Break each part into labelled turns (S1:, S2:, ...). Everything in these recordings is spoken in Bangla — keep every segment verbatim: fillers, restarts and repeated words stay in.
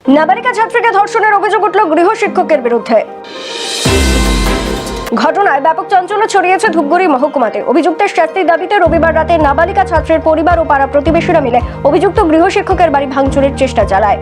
S1: নাবালিকা ছাত্রীকে ধর্ষণের অভিযোগ উঠল গৃহশিক্ষকের বিরুদ্ধে। ঘটনায় ব্যাপক চাঞ্চল্য ছড়িয়েছে ধূপগুড়ি মহকুমাতে। অভিযুক্তের শাস্তির দাবিতে রবিবার রাতে নাবালিকা ছাত্রের পরিবার ও পাড়া প্রতিবেশীরা মিলে অভিযুক্ত গৃহশিক্ষকের বাড়ি ভাঙচুরের চেষ্টা চালায়।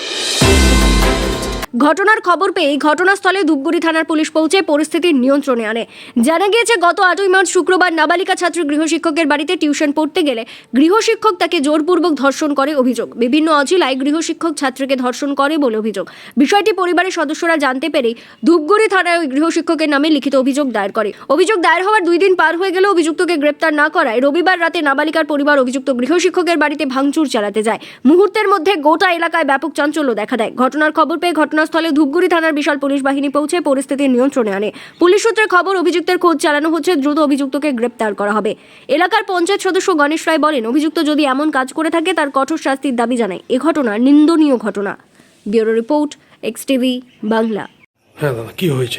S1: ঘটনার খবর পেয়ে ঘটনাস্থলে ধূপগুড়ি থানার পুলিশ পৌঁছে পরিস্থিতি নিয়ন্ত্রণে আনে। জানা গিয়েছে, গত আটই মার্চ শুক্রবার নাবালিকা ছাত্রী গৃহশিক্ষকের বাড়িতে টিউশন পড়তে গেলে গৃহশিক্ষক তাকে জোরপূর্বক ধর্ষণ করে অভিযোগ। বিভিন্ন অজিলায় গৃহশিক্ষক ছাত্রীকে ধর্ষণ করে বলে অভিযোগ। বিষয়টি পরিবারের সদস্যরা জানতে পেরেই ধূপগুড়ি থানায় ওই গৃহশিক্ষকের নামে লিখিত অভিযোগ দায়ের করে। অভিযোগ দায়ের হওয়ার দুই দিন পার হয়ে গেলেও অভিযুক্তকে গ্রেপ্তার না করায় রবিবার রাতে নাবালিকার পরিবার অভিযুক্ত গৃহশিক্ষকের বাড়িতে ভাঙচুর চালাতে যায়। মুহূর্তের মধ্যে গোটা এলাকায় ব্যাপক চাঞ্চল্য দেখা দেয়। ঘটনার খবর পেয়ে ঘটনাস্থলে ধূপগুড়ি থানার বিশাল পুলিশ বাহিনী পৌঁছে পরিস্থিতি নিয়ন্ত্রণে আনে। পুলিশ সূত্রে খবর, অভিযুক্তের খোঁজ চালানো হচ্ছে, দ্রুত অভিযুক্তকে গ্রেপ্তার করা হবে। এলাকার পঞ্চায়েত সদস্য গণেশ রায় বলেন, অভিযুক্ত যদি এমন কাজ করে থাকে তার কঠোর শাস্তির দাবি জানায়। এ ঘটনা নিন্দনীয় ঘটনা। Bureau report, X TV Bangla.
S2: হ্যাঁ দাদা, কি হয়েছে?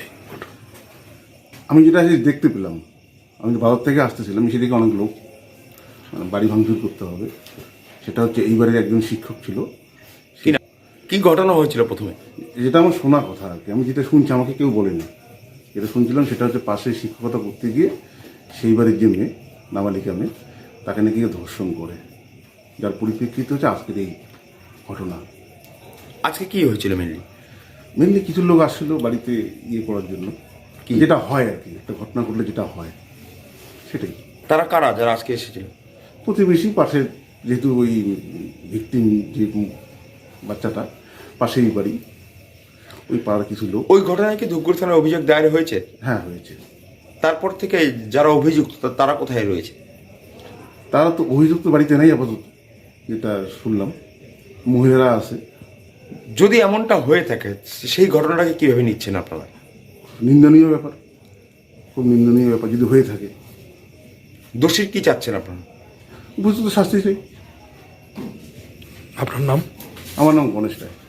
S3: আমি যেটা দেখতে পেলাম, আমি তো ভারত থেকে আসতেছিলাম, সেদিকে অনেক লোক মানে বাড়ি ভাঙচুর করতে হবে। সেটা হচ্ছে এইবারের একজন শিক্ষক ছিল।
S2: কি ঘটনা হয়েছিল প্রথমে?
S3: যেটা আমার শোনা কথা আর কি, আমি যেটা শুনছি, আমাকে কেউ বলেনি। যেটা শুনছিলাম সেটা হচ্ছে পাশে শিক্ষকতা করতে গিয়ে সেই বাড়ির যে মেয়ে, নাবালিকা মেয়ে, তাকে নাকি ধর্ষণ করে, যার পরিপ্রেক্ষিতে হচ্ছে আজকের এই ঘটনা।
S2: আজকে কি হয়েছিল মেনলি?
S3: মেনলি কিছু লোক আসছিল বাড়িতে ইয়ে করার জন্য,
S2: কি
S3: যেটা হয় আর কি, একটা ঘটনা ঘটলে যেটা হয় সেটাই।
S2: তারা কারা যারা আজকে এসেছিল?
S3: প্রতিবেশী, পাশে, যেহেতু ওই ভিকটিম যে বাচ্চাটা পাশেই বাড়ি, ওই পাড়ার কিছু লোক।
S2: ওই ঘটনায় কি ধূপগুড়ি থানায় অভিযোগ দায়ের হয়েছে?
S3: হ্যাঁ, হয়েছে।
S2: তারপর থেকে যারা অভিযুক্ত তারা কোথায় রয়েছে?
S3: তারা তো অভিযুক্ত বাড়িতে নেই আপাতত, যেটা শুনলাম। মহিলারা আছে।
S2: যদি এমনটা হয়ে থাকে সেই ঘটনাটাকে কিভাবে নিচ্ছেন আপনারা?
S3: নিন্দনীয় ব্যাপার, খুব নিন্দনীয় ব্যাপার যদি হয়ে থাকে।
S2: দোষীর কি চাচ্ছেন আপনারা?
S3: বুঝতে তো শাস্তি চাই।
S2: আপনার নাম?
S3: আমার নাম গণেশ রায়।